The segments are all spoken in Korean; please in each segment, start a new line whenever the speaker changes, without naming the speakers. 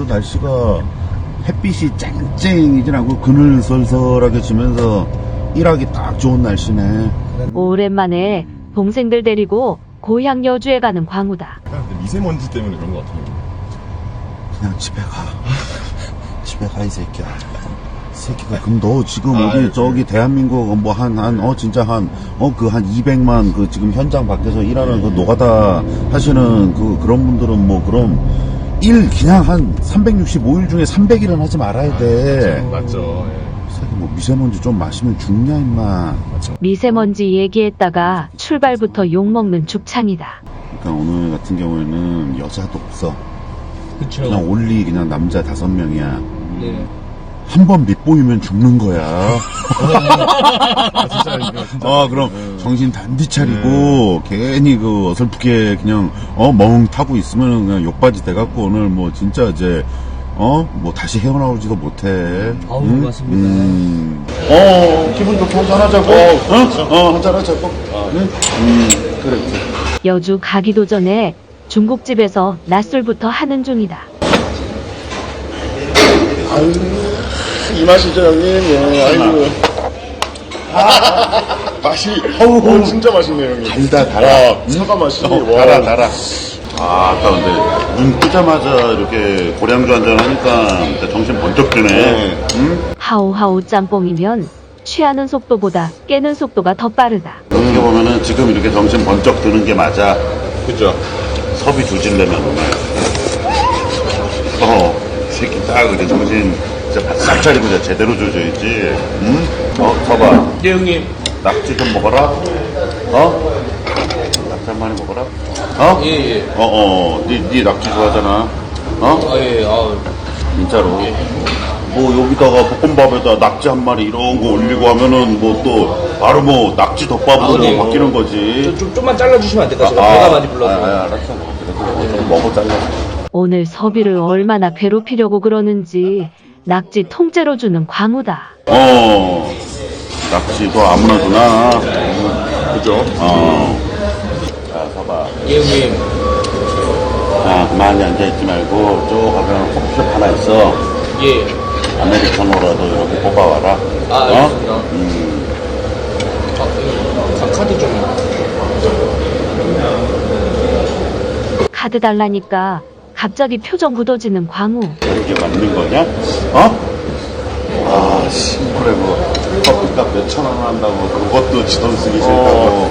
날씨가 햇빛이 쨍쨍이진 않고 그늘 설설하게 지면서 일하기 딱 좋은 날씨네.
오랜만에 동생들 데리고 고향 여주에 가는 광우다.
미세먼지 때문에 그런 것 같아요.
그냥 집에 가. 집에 가, 이 새끼야. 새끼가, 그럼 너 지금 어디, 저기, 대한민국, 뭐, 진짜 한 200만, 지금 현장 밖에서 일하는 그 노가다 하시는 그런 분들은 뭐, 그럼, 그냥 한 365일 중에 300일은 하지 말아야 돼.
맞죠.
새끼 뭐, 미세먼지 좀 마시면 죽냐, 임마.
미세먼지 얘기했다가 출발부터 욕먹는 죽창이다.
그러니까 오늘 같은 경우에는 여자도 없어.
그쵸.
그냥 올리, 그냥 남자 5명이야.
네.
한 번 밑보이면 죽는 거야.
진짜.
그럼 정신 단디 차리고 괜히 어설프게 그냥 멍 타고 있으면 그냥 욕바지 돼갖고 오늘 뭐 진짜 이제 뭐 다시 헤어나오지도 못해.
아우,
응?
맞습니다.
기분 좋게 한잔하자고. 한잔하자고. 응? 그래.
여주 가기도 전에 중국집에서 낮술부터 하는 중이다.
이 맛이죠, 형님. 예, 아이고. 맛이, 진짜 맛있네요, 형님.
달아.
사과 맛이.
달아. 아까 근데 눈 뜨자마자 이렇게 고량주 한잔 하니까 진짜 정신 번쩍 드네. 응?
하우하우 짬뽕이면 취하는 속도보다 깨는 속도가 더 빠르다.
어떻게 보면은 지금 이렇게 정신 번쩍 드는 게 맞아.
그죠?
섭이 조질려면 오늘. 새끼 딱 이제 정신 진짜 바싹 차리고 진짜 제대로 조져야지. 응? 서봐.
네, 형님.
낙지 좀 먹어라. 낙지 한 마리 먹어라.
예.
네 낙지 좋아하잖아.
예.
진짜로. 뭐 여기다가 볶음밥에다 낙지 한 마리 이런 거 올리고 하면은 뭐 또 바로 뭐 낙지 덮밥으로
네.
바뀌는 거지.
좀만 잘라주시면 안 될까요? 제가 배가 많이 불러서.
알았어. 그래도 좀 먹어 잘라.
오늘 서비를 얼마나 괴롭히려고 그러는지 낙지 통째로 주는 광우다.
낙지도 아무나 주나.
그죠?
자, 서봐.
예, 형님.
자, 가만히 앉아있지 말고 쭉 가면 커피숍 하나 있어.
예.
아메리카노라도 이렇게 뽑아와라.
알겠습니다. 카드 좀.
카드 달라니까 갑자기 표정 굳어지는 광우.
이게 맞는 거냐? 신고래 뭐 커피값 몇천 원 한다고 그것도 지 돈 쓰기 싫다고.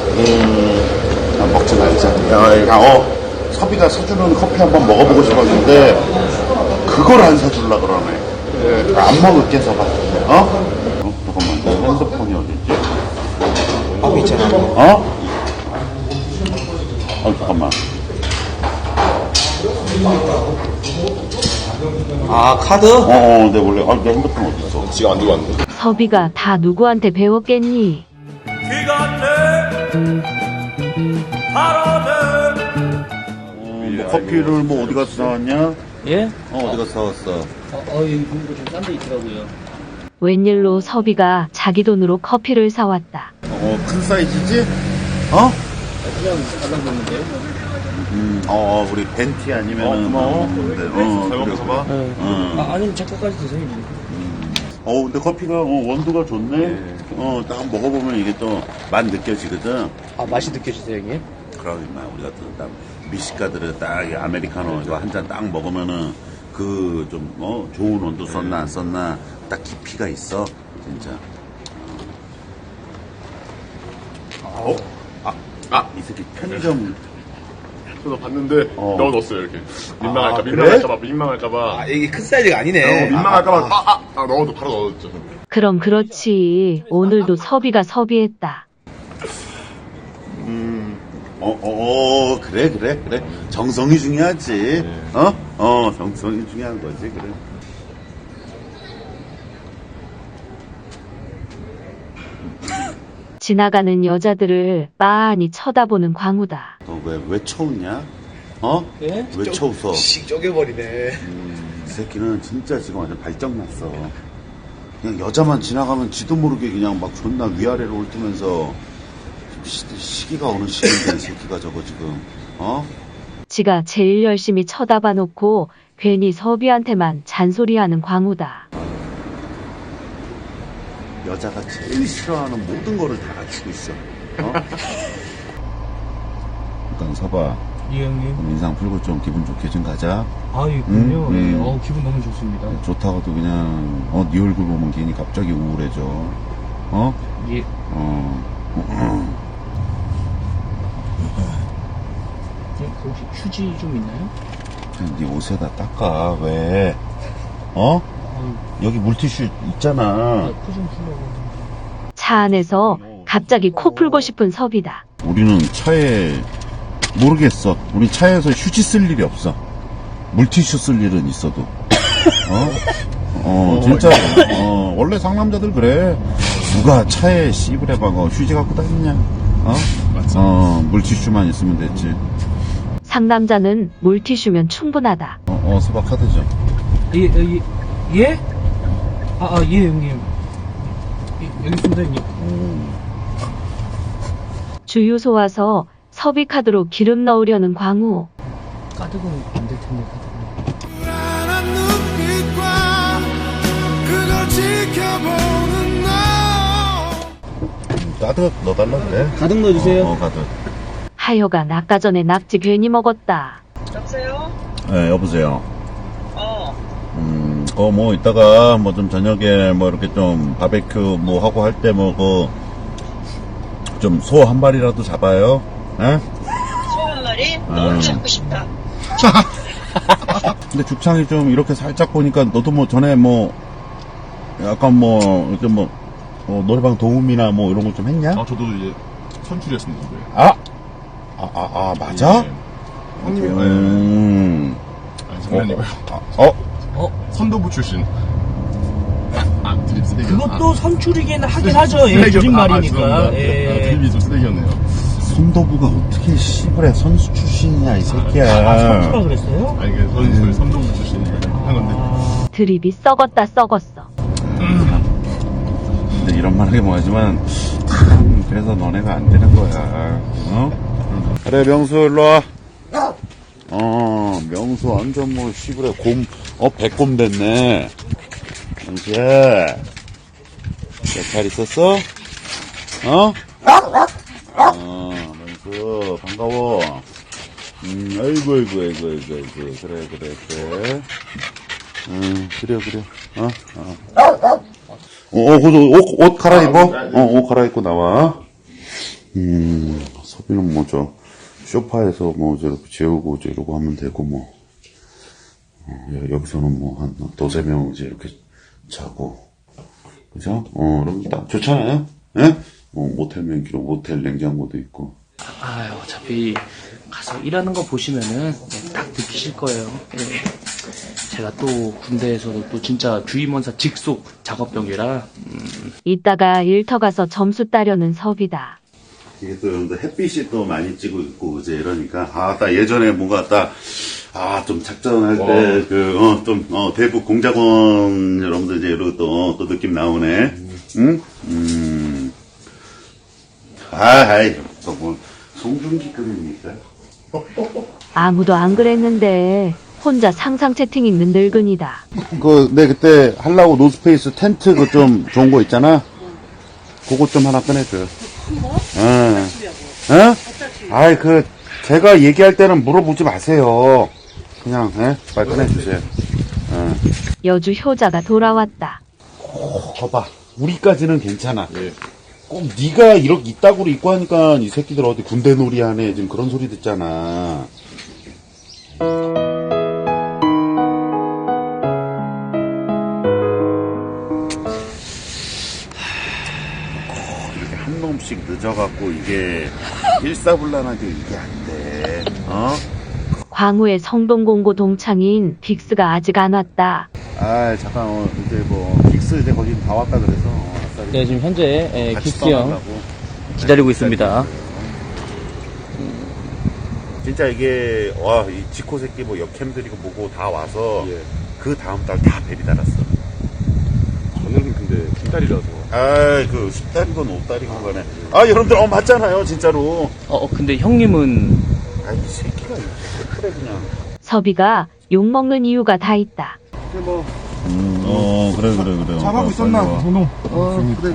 먹지 말자. 섭이가 사주는 커피 한번 먹어보고 싶었는데 그걸 안 사줄라 그러네. 안 먹을게 서봐. 잠깐만, 내 핸드폰이 어딨지?
있잖아.
잠깐만.
카드?
내 원래 내 핸드폰 어딨어?
지가 안 들고 왔는데.
서비가 다 누구한테 배웠겠니?
커피를 뭐 어디 가서 사왔냐?
예?
어디 가서 사왔어?
이거 좀 싼 데 있더라고요.
웬일로 서비가 자기 돈으로 커피를 사왔다.
큰 사이즈지?
그냥 달라붙는데요?
우리 벤티 아니면은
고마워.
그래 봐.
아니면 제 거까지 드세요.
근데 커피가 원두가 좋네. 딱 먹어보면 이게 또 맛 느껴지거든.
맛이 느껴지세요, 형님?
그러면 우리 같은 딱 미식가들은 딱 이 아메리카노 이거 한 잔 딱 먹으면은 그 좀 좋은 원두 썼나 안 썼나 딱 깊이가 있어 진짜. 이 새끼 편의점.
저도 봤는데 넣어뒀어요, 이렇게.
그래?
민망할까봐.
이게 큰 사이즈가 아니네.
민망할까봐. 바로 넣어뒀죠.
그럼 그렇지. 오늘도 서비가 서비했다.
그래. 정성이 중요하지. 정성이 중요한 거지, 그래.
지나가는 여자들을 빤히 쳐다보는 광우다.
너 왜 쳐웃냐?
예?
왜 쳐웃어?
쪼개버리네.
이 새끼는 진짜 지금 완전 발정났어. 그냥 여자만 지나가면 지도 모르게 그냥 막 존나 위아래로 훑으면서 시기가 어느 시기인데 이 새끼가 저거 지금
지가 제일 열심히 쳐다봐 놓고 괜히 섭이한테만 잔소리하는 광우다.
여자가 제일 싫어하는 모든 거를 다 갖추고 있어. 어? 일단 서봐.
예, 형님.
그럼 인상 풀고 좀 기분 좋게 좀 가자.
아, 예, 그럼요.
음.
예, 기분 너무 좋습니다.
좋다고도 그냥 네 얼굴 보면 괜히 갑자기 우울해져. 어?
예. 예, 그 혹시 휴지 좀 있나요?
그냥 네 옷에다 닦아. 왜? 어? 여기 물티슈 있잖아.
코좀 풀려고.
차 안에서 갑자기 코 풀고 싶은 섭이다.
우리는 차에 모르겠어. 우리 차에서 휴지 쓸 일이 없어. 물티슈 쓸 일은 있어도. 진짜. 원래 상남자들 그래. 누가 차에 씨부레박어 휴지 갖고 다니냐? 물티슈만 있으면 됐지.
상남자는 물티슈면 충분하다.
수박 카드죠.
예? 예, 형님. 예, 여기 있습니다, 형님.
주유소 와서 섭이 카드로 기름 넣으려는 광우.
까득은 안 될 텐데, 까득은.
불안한 눈빛과 그걸 지켜보는 너
카드 넣어달라 그래.
가득 넣어주세요.
카드.
하여간 아까 전에 낙지 괜히 먹었다.
여보세요?
네, 여보세요. 뭐 이따가 뭐 좀 저녁에 뭐 이렇게 좀 바베큐 뭐 하고 할 때 뭐 좀 소 한 마리라도 잡아요. 에?
소 한 마리? 너무 잡고 싶다.
근데 죽창이 좀 이렇게 살짝 보니까 너도 뭐 전에 뭐 약간 뭐 이렇게 뭐 노래방 도움이나 뭐 이런 거 좀 했냐?
저도 이제 선출이었습니다.
맞아?
형님이 아니, 선배님이요. 선도부 출신. 드립 쓰레기.
그것도 선출이긴 하긴 하죠. 예, 줄임말이니까.
드립이 좀 쓰레기였네요.
손도부가 어떻게 씨부레 선수 출신이냐 이 새끼야.
선수라 그랬어요?
아니, 그 선도부 출신 한 건데.
드립이 썩었다 썩었어.
근데 이런 말 하기 뭐하지만 참 그래서 너네가 안 되는 거야. 그래 명수 일로 와. 명수 완전 뭐 씨부레 백곰 됐네. 명수야. 잘 있었어? 명수 반가워. 아이고 그래. 그래. 옷 갈아입어? 옷 갈아입고 나와. 서비는 뭐 소파에서 뭐 저렇게 재우고 이러고 하면 되고 뭐. 여기서는 뭐 한 두세 명 이제 이렇게 자고. 그죠? 그럼 딱 좋잖아요? 예? 모텔 맨기로 모텔 냉장고도 있고.
어차피 가서 일하는 거 보시면은 딱 느끼실 거예요. 예. 제가 또 군대에서도 또 진짜 주임원사 직속 작업병이라.
이따가 일터 가서 점수 따려는 섭이다.
이게 또 여러분들 햇빛이 또 많이 찌고 있고 그제 이러니까 딱 예전에 뭔가 좀 작전할 때 대북 공작원 여러분들 이제 이러고 또 느낌 나오네. 응? 또 뭐 송중기급입니까?
아무도 안 그랬는데 혼자 상상 채팅 읽는 늙은이다.
그때 하려고 노스페이스 텐트 좀 좋은 거 있잖아. 그거 좀 하나 꺼내줘요. 제가 얘기할 때는 물어보지 마세요. 그냥, 빨리 꺼내주세요.
여주 효자가 돌아왔다.
봐봐. 우리까지는 괜찮아.
예.
꼭 네가 이렇게 이따구로 입고 하니까 이 새끼들 어디 군대 놀이 하네. 지금 그런 소리 듣잖아. 이렇게 한 놈씩 늦어갖고 이게 일사불란하게 이게 안 돼.
광우의 성동공고 동창인 빅스가 아직 안 왔다.
잠깐 이제 뭐 빅스 이제 거기 다 왔다 그래서.
네, 지금 현재
같이
빅스 형
떠나려고.
기다리고 있습니다.
진짜 이게 이 지코 새끼 뭐 역캠들이고 뭐고 다 와서
예.
그 다음 달 다 벨이 달았어.
저는 근데 빈달이라서.
그 10달이건 5달이건 간에 여러분들 맞잖아요 진짜로.
근데 형님은
이 새끼가 그래 그냥.
섭이가 욕먹는 이유가 다 있다.
그래.
잘하고 있었나?
빨리 와.
그래.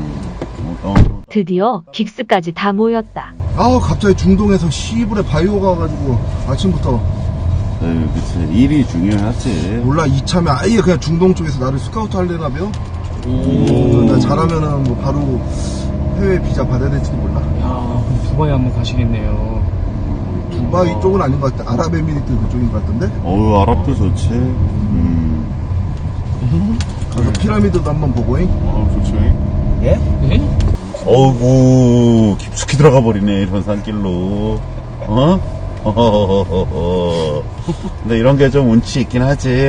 드디어 긱스까지 다 모였다.
아우, 갑자기 중동에서 시불에 바이오가 와가지고 아침부터
그치. 일이 중요하지.
몰라, 이참에 아예 그냥 중동 쪽에서 나를 스카우트 할래나 벼? 나 잘하면은 뭐 바로 해외 비자 받아야 될지도 몰라.
야, 그럼 두바이 한번 가시겠네요.
두바이 쪽은 아닌 것 같아. 아랍에미리트 그쪽인 것 같던데?
아랍도 좋지.
가서 피라미드도 한번 보고잉.
좋죠.
네?
어이구, 깊숙이 들어가 버리네, 이런 산길로. 근데 이런 게 좀 운치 있긴 하지.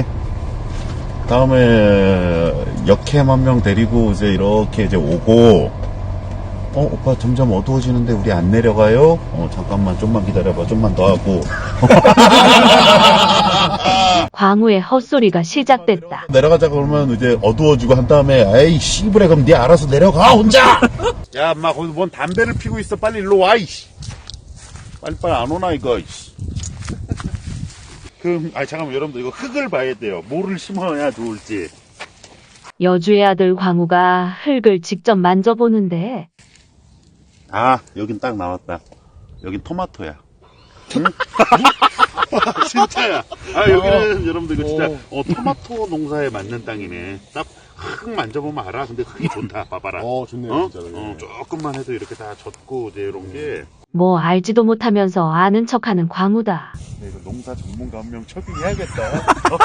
다음에 역캠 한 명 데리고 이제 이렇게 이제 오고, 오빠 점점 어두워지는데 우리 안 내려가요? 잠깐만, 좀만 기다려봐, 좀만 더 하고.
광우의 헛소리가 시작됐다.
내려가자 그러면 이제 어두워지고 한 다음에, 에이, 씨부레, 그럼 네 알아서 내려가, 혼자! 야, 엄마, 거기서 뭔 담배를 피고 있어. 빨리 일로 와, 이씨. 빨리빨리 안 오나, 이거, 이씨. 잠깐만, 여러분들, 이거 흙을 봐야 돼요. 뭐를 심어야 좋을지.
여주의 아들 광우가 흙을 직접 만져보는데
여긴 딱 나왔다. 여긴 토마토야. 응? 진짜야. 여기는 여러분들 이거 진짜 토마토 농사에 맞는 땅이네. 딱 흙 만져보면 알아. 근데 흙이 좋다. 봐봐라.
좋네요, 진짜로.
조금만 해도 이렇게 다 젖고 이제 이런 게.
뭐 알지도 못하면서 아는 척하는 광우다.
이거 농사 전문가 한 명 초빙해야겠다.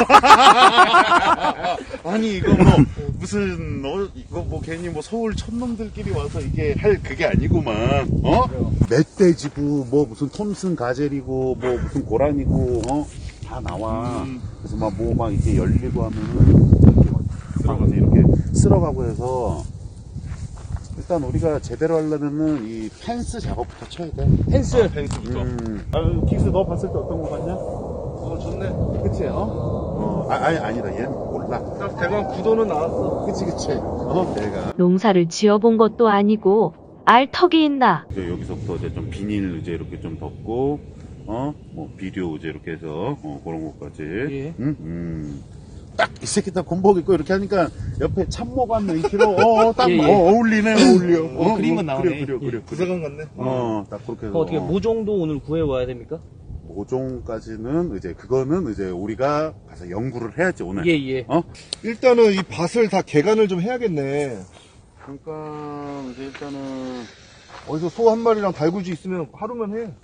아니 이거 뭐 무슨 이거 뭐 괜히 뭐 서울 촌놈들끼리 와서 이게 할 그게 아니구만. 멧돼지고 뭐 무슨 톰슨 가젤이고 뭐 무슨 고라니고 다 나와. 그래서 막 뭐 막 이렇게 열리고 하면은 이렇게 쓸어가고 해서. 일단 우리가 제대로 하려면은 이 펜스 작업부터 쳐야 돼.
펜스부터.
긱스 너 봤을 때 어떤 거 같냐?
좋네.
그치, 아니다. 얘는 몰라.
대강 구도는 나왔어.
그치. 내가.
농사를 지어본 것도 아니고 알 턱이 있나.
이제 여기서부터 이제 좀 비닐 이제 이렇게 좀 덮고, 뭐 비료 이제 이렇게 해서, 그런 것까지.
예.
딱 이 새끼 딱 군복 입고 이렇게 하니까 옆에 참모관 있기로 딱
예, 예.
어울려.
그림은 나오네.
그래.
부사관 같네.
딱 그렇게 해서.
어떻게 모종도 오늘 구해와야 됩니까?
모종까지는 이제 그거는 이제 우리가 가서 연구를 해야지 오늘.
예.
일단은 이 밭을 다 개간을 좀 해야겠네.
그러니까 이제 일단은
어디서 소 한 마리랑 달구지 있으면 하루면 해.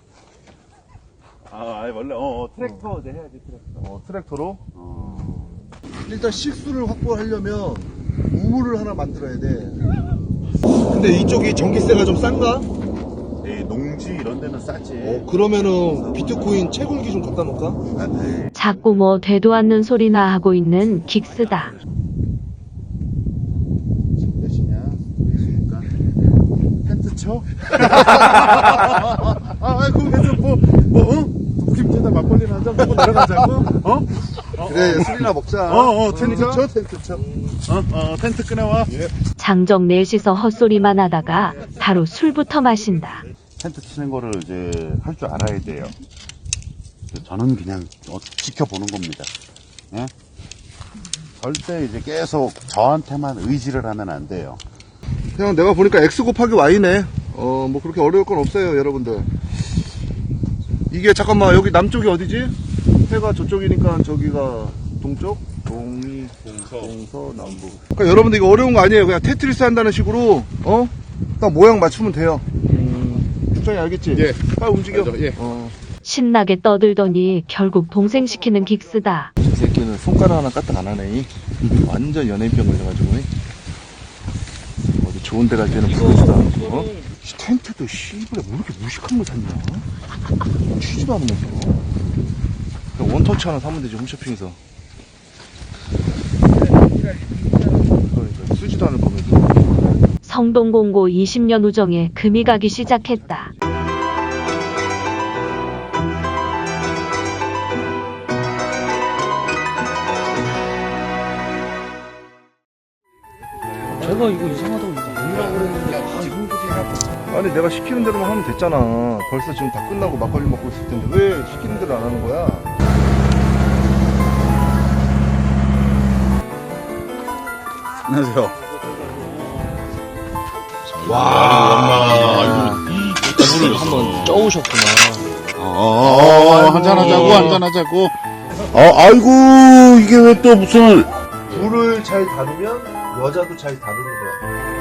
원래 트랙터 이제 해야지 트랙터.
트랙터로? 일단 식수를 확보하려면 우물을 하나 만들어야 돼. 근데 이쪽이 전기세가 좀 싼가?
농지 이런 데는 싸지.
그러면은 비트코인 채굴기 좀 갖다 놓을까?
자꾸 뭐 되도 않는 소리나 하고 있는 긱스다.
몇이냐? 그러니까 텐트 쳐? 거기서 우김태다 막걸리나 한잔 먹고 내려가자고?
그래, 술이나 먹자.
텐트 쳐. 텐트 꺼내와.
장정 넷이서 헛소리만 하다가 바로 술부터 마신다.
텐트 치는 거를 이제 할 줄 알아야 돼요. 저는 그냥 지켜보는 겁니다. 예? 절대 이제 계속 저한테만 의지를 하면 안 돼요.
그냥 내가 보니까 X 곱하기 Y네. 뭐 그렇게 어려울 건 없어요, 여러분들. 이게 잠깐만, 여기 남쪽이 어디지? 해가 저쪽이니까 저기가 동쪽? 동서, 남북. 그러니까 여러분들 이거 어려운 거 아니에요. 그냥 테트리스 한다는 식으로, 딱 모양 맞추면 돼요. 국장이 알겠지?
예.
빨리 움직여.
알죠, 예.
신나게 떠들더니 결국 동생 시키는 긱스다.
이 새끼는 손가락 하나 까딱 안 하네. 완전 연예인병 걸려가지고. 어디 좋은 데 갈 때는 부럽다. 이 텐트도 씨발 왜 이렇게 무식한 거 샀냐? 취지도 않으면서. 그냥 원터치 하나 사면 되지, 홈쇼핑에서. 그러니까 쓰지도 않을 거면서.
성동공고 20년 우정에 금이 가기 시작했다.
제가 이거 이상하다고 이거 아니라고 그랬는데 형들이
아니 내가 시키는 대로만 하면 됐잖아. 벌써 지금 다 끝나고 막걸리 먹고 있을 텐데 왜 시키는 대로 안 하는 거야?
안녕하세요.
와,
물을 한번 쪄오셨구나.
한잔하자고. 아이고, 이게 왜 또 무슨.
불을 잘 다루면 여자도 잘 다루는 거야.